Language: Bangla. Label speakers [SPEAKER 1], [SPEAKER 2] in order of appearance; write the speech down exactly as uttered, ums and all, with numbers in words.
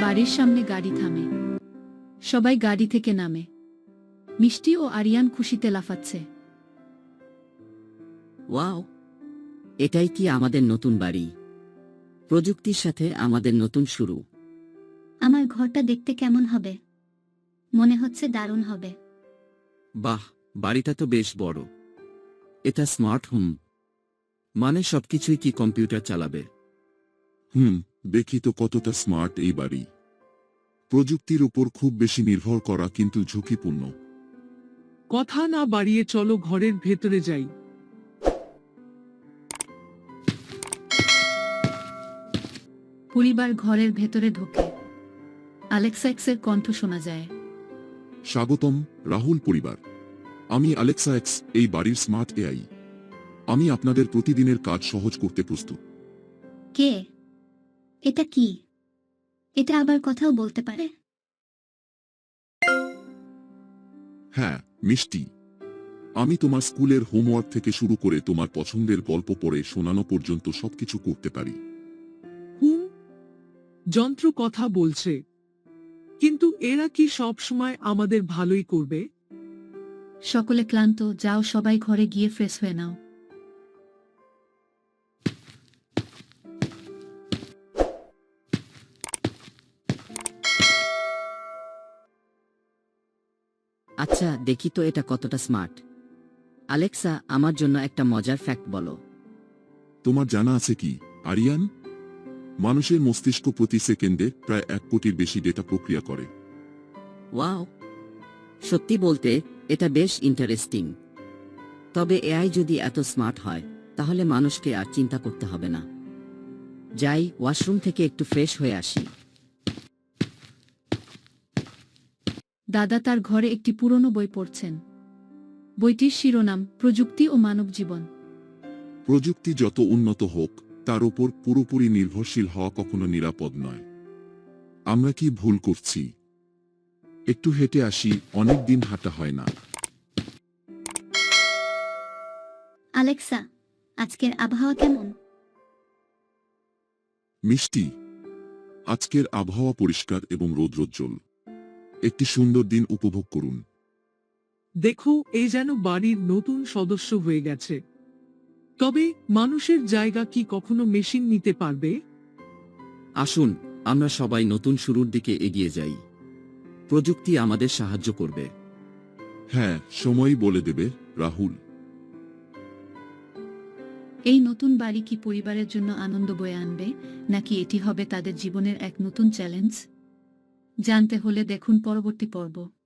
[SPEAKER 1] বাড়ির সামনে গাড়ি থামে। সবাই গাড়ি থেকে নামে। মিষ্টি ও আরিয়ান খুশিতে লাফাচ্ছে।
[SPEAKER 2] ওয়াও, এটাই কি আমাদের নতুন বাড়ি? প্রযুক্তির সাথে আমাদের নতুন শুরু।
[SPEAKER 3] আমার ঘরটা দেখতে কেমন হবে? মনে হচ্ছে দারুণ হবে।
[SPEAKER 4] বাহ, বাড়িটা তো বেশ বড়। এটা স্মার্ট হোম, মানে সবকিছুই কি কম্পিউটার চালাবে?
[SPEAKER 5] হুম, দেখি তো কতটা স্মার্ট এই বাড়ি। প্রযুক্তির উপর খুব বেশি নির্ভর করা কিন্তু ঝুঁকিপূর্ণ।
[SPEAKER 6] কথা না বাড়িয়ে চলো ঘরের ভেতরে যাই।
[SPEAKER 1] পরিবার ঘরের ভেতরে ঢোকে। আলেক্সা এক্সের কণ্ঠ শোনা যায়।
[SPEAKER 5] স্বাগতম, রাহুল পরিবার। আমি আলেক্সা এক্স, এই বাড়ির স্মার্ট এআই। আমি আপনাদের প্রতিদিনের কাজ সহজ করতে প্রস্তুত।
[SPEAKER 3] কে? এটা কি? এটা আবার কথাও বলতে পারে?
[SPEAKER 5] হ্যাঁ, মিষ্টি। আমি তোমার স্কুলের হোমওয়ার্ক থেকে শুরু করে তোমার পছন্দের গল্প পড়ে শোনানো পর্যন্ত সবকিছু করতে পারি।
[SPEAKER 6] হুম, যন্ত্র কথা বলছে, কিন্তু এরা কি সব সময় আমাদের ভালোই করবে?
[SPEAKER 1] সকলে ক্লান্ত। যাও, সবাই ঘরে গিয়ে ফ্রেশ হয়ে নাও।
[SPEAKER 2] আচ্ছা, দেখি তো এটা কতটা স্মার্ট। আলেক্সা, আমার জন্য একটা মজার ফ্যাক্ট বলো।
[SPEAKER 5] তোমার জানা আছে কি, আরিয়ান? মানুষের মস্তিষ্ক প্রতি সেকেন্ডে প্রায় এক কোটির বেশি ডেটা প্রক্রিয়া করে।
[SPEAKER 2] ওয়াও, সত্যি বলতে এটা বেশ ইন্টারেস্টিং। তবে এআই যদি এত স্মার্ট হয়, তাহলে মানুষকে আর চিন্তা করতে হবে না। যাই, ওয়াশরুম থেকে একটু ফ্রেশ হয়ে আসি।
[SPEAKER 1] দাদা তার ঘরে একটি পুরনো বই পড়ছেন। বইটির শিরোনাম প্রযুক্তি ও মানব জীবন।
[SPEAKER 5] প্রযুক্তি যত উন্নত হোক, তার উপর পুরোপুরি নির্ভরশীল হওয়া কখনো নিরাপদ নয়। আমরা কি ভুল করছি? একটু হেঁটে আসি, অনেক দিন হাঁটা হয় না।
[SPEAKER 3] আলেক্সা, আজকের আবহাওয়া কেমন?
[SPEAKER 5] মিষ্টি, আজকের আবহাওয়া পরিষ্কার এবং রৌদ্রোজ্জ্বল। একটি সুন্দর দিন উপভোগ করুন।
[SPEAKER 6] দেখো, এ যেন বাড়ির নতুন সদস্য হয়ে গেছে। তবে মানুষের জায়গা কি কখনো মেশিন নিতে পারবে?
[SPEAKER 4] আসুন, আমরা সবাই নতুন শুরুর দিকে এগিয়ে যাই। প্রযুক্তি আমাদের সাহায্য করবে।
[SPEAKER 5] হ্যাঁ, সময়ই বলে দেবে, রাহুল।
[SPEAKER 1] এই নতুন বাড়ি কি পরিবারের জন্য আনন্দ বয়ে আনবে, নাকি এটি হবে তাদের জীবনের এক নতুন চ্যালেঞ্জ? জানতে হলে দেখুন পরবর্তী পর্ব।